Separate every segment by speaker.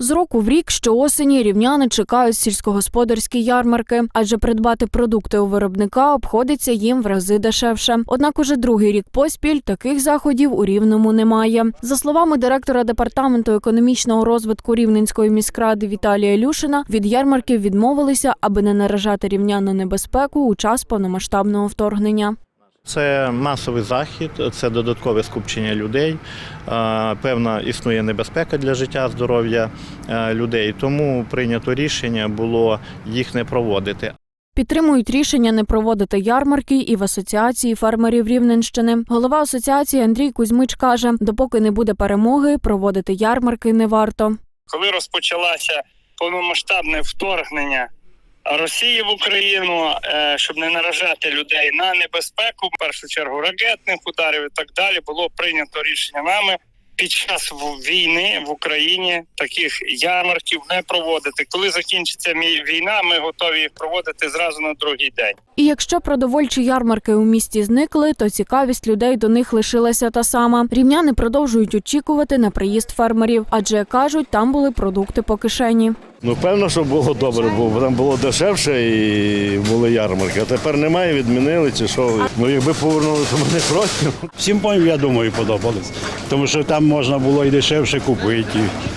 Speaker 1: З року в рік щоосені рівняни чекають сільськогосподарські ярмарки, адже придбати продукти у виробника обходиться їм в рази дешевше. Однак уже другий рік поспіль таких заходів у Рівному немає. За словами директора департаменту економічного розвитку Рівненської міськради Віталія Люшина, від ярмарків відмовилися, аби не наражати рівнян на небезпеку у час повномасштабного вторгнення.
Speaker 2: Це масовий захід, це додаткове скупчення людей, певна існує небезпека для життя, здоров'я людей, тому прийнято рішення було їх не проводити.
Speaker 1: Підтримують рішення не проводити ярмарки і в Асоціації фермерів Рівненщини. Голова асоціації Андрій Кузьмич каже, допоки не буде перемоги, проводити ярмарки не варто.
Speaker 3: Коли розпочалося повномасштабне вторгнення Росії в Україну, щоб не наражати людей на небезпеку, в першу чергу ракетних ударів і так далі, було прийнято рішення нами під час війни в Україні таких ярмарків не проводити. Коли закінчиться війна, ми готові їх проводити зразу на другий день.
Speaker 1: І якщо продовольчі ярмарки у місті зникли, то цікавість людей до них лишилася та сама. Рівняни продовжують очікувати на приїзд фермерів, адже, кажуть, там були продукти по кишені.
Speaker 4: Певно, що було добре, бо там було дешевше і були ярмарки. А тепер немає, відмінили чи що. Якби повернули, то ми не проти.
Speaker 5: Всім, я думаю, подобалось. Тому що там можна було і дешевше купити.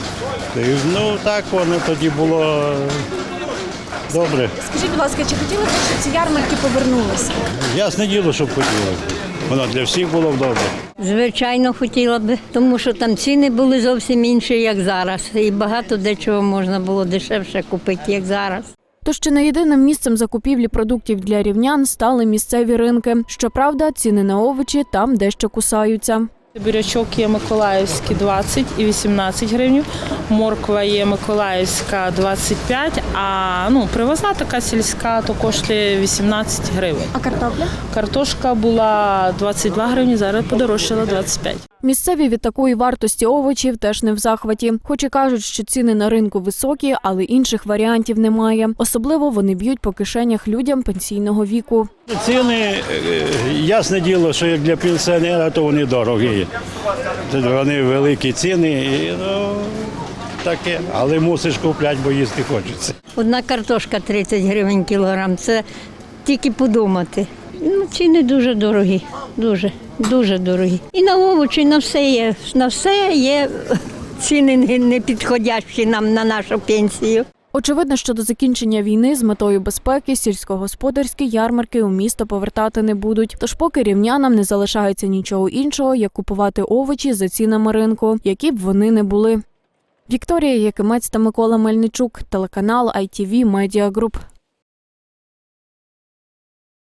Speaker 5: Так воно тоді було добре.
Speaker 1: Скажіть, будь ласка, чи хотіли б, щоб ці ярмарки повернулися?
Speaker 5: Ясне діло, щоб хотіли. Воно для всіх було б добре.
Speaker 6: Звичайно, хотіла б, тому що там ціни були зовсім інші, як зараз. І багато дечого можна було дешевше купити, як зараз.
Speaker 1: Тож чи не єдиним місцем закупівлі продуктів для рівнян стали місцеві ринки. Щоправда, ціни на овочі там дещо кусаються.
Speaker 7: Бурячок є миколаївський 20 і 18 гривень, морква є миколаївська 25, а привозна така сільська, то коштує 18 гривень.
Speaker 1: А картопля?
Speaker 7: Картошка була 22 гривні, зараз подорожчала 25.
Speaker 1: Місцеві від такої вартості овочів теж не в захваті. Хоч і кажуть, що ціни на ринку високі, але інших варіантів немає. Особливо вони б'ють по кишенях людям пенсійного віку.
Speaker 5: Ціни, ясне діло, що як для пенсіонера, то вони дорогі. Вони великі ціни, таке, але мусиш купляти, бо їсти хочеться.
Speaker 6: Одна картошка 30 гривень кілограм, це тільки подумати. Ціни дуже дорогі, дуже дорогі. І на овочі, на все є ціни не підходящі нам на нашу пенсію.
Speaker 1: Очевидно, що до закінчення війни з метою безпеки сільськогосподарські ярмарки у місто повертати не будуть. Тож поки рівнянам не залишається нічого іншого, як купувати овочі за цінами ринку, які б вони не були. Вікторія Якимець та Микола Мельничук, телеканал ITV Media Group.